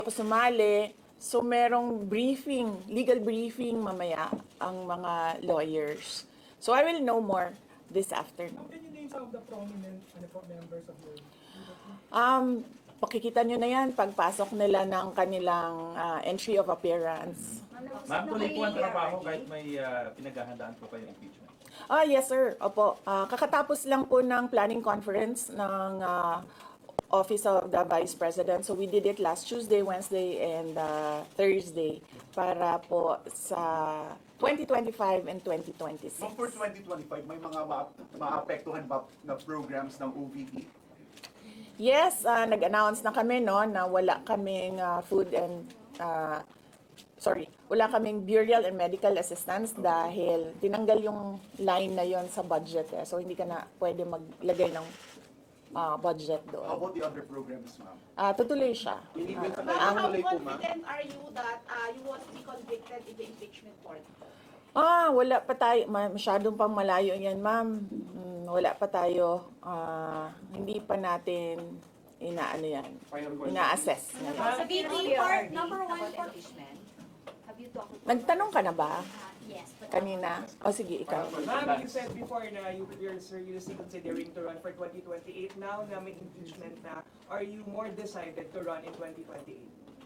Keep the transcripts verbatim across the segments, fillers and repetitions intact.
ako sumali. So merong briefing, legal briefing mamaya ang mga lawyers. So I will know more this afternoon. Can you name some of the prominent ano po, members of your Um, pakikita nyo na yan pagpasok nila ng kanilang ah, entry of appearance. Ma'am, tuloy po ang trabaho kahit may uh, pinaghahandaan po kayo impeachment. Ah, yes sir. Opo. Ah, kakatapos lang po ng planning conference ng ah, Office of the Vice President. So we did it last Tuesday, Wednesday, and uh, Thursday para po sa twenty twenty-five and twenty twenty-six. Ma'am, for twenty twenty-five, may mga ma- maapektuhan ba na programs ng O V P? Yes, ah, nag-announce na kami no na wala kaming ah, food and ah, sorry, wala kaming burial and medical assistance dahil tinanggal yung line na yon sa budget eh. So hindi ka na pwede maglagay ng ah, budget How doon. about the other programs, ma'am? Ah, tutuloy siya. Inibil sa Ma'am, tayo how tuloy po, ma'am. confident are you that uh, you won't be convicted in the impeachment court? Ah, wala pa tayo, ma- masyadong pang malayo yan, ma'am. Mm, wala pa tayo, ah, hindi pa natin inaano yan, ina-assess. Sa B T part, number one for impeachment. Have you talked to... Nagtanong ka na ba Yes. But kanina? O sige, ikaw. Ma'am, you said before na you, you're seriously considering to run for twenty twenty-eight. Now na may impeachment na, are you more decided to run in twenty twenty-eight?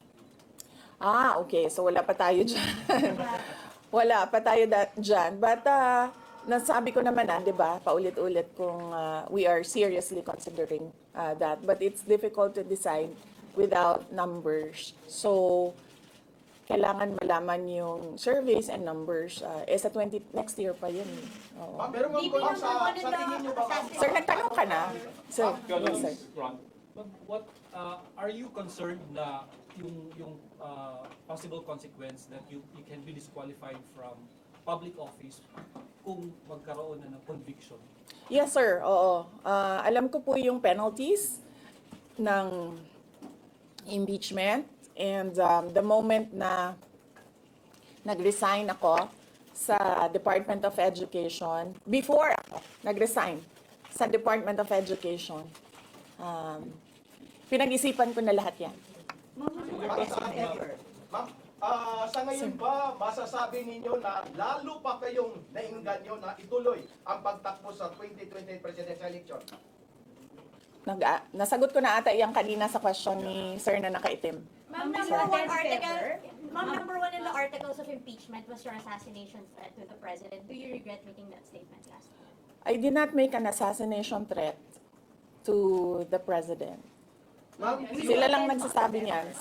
Ah, okay. So wala pa tayo dyan. Wala pa tayo da- dyan. But ah, nasabi ko naman ah, di ba, paulit-ulit kung ah, we are seriously considering ah, that. But it's difficult to decide without numbers. So, kailangan malaman yung surveys and numbers. ah, eh, sa twenty, next year pa yun. eh. Oo. Ma'am, pero ma'am, Hindi ma'am, sa, naman sa tingin niyo ba, ma'am? Sir, nagtanong ka na? Sir, yes, sir. But what uh, are you concerned na yung yung uh, possible consequence that you you can be disqualified from public office kung magkaroon na ng conviction? Yes, sir. Oo. Ah, alam ko po yung penalties ng impeachment and um, the moment na nag-resign ako sa Department of Education, before ako nag-resign sa Department of Education, um, pinag-isipan ko na lahat yan. Ma'am, ah, sa ngayon ba, masasabi ninyo na lalo pa kayong nainganyo na ituloy ang pagtakbo sa twenty twenty presidential election? Nag, ah, nasagot ko na ata yung kanina sa question ni sir na nakaitim. Ma'am, number one article, ma'am, number one in the articles of impeachment was your assassination threat to the president. Do you regret making that statement last week? I did not make an assassination threat to the president. Ma'am, Sila lang nagsasabi niyan.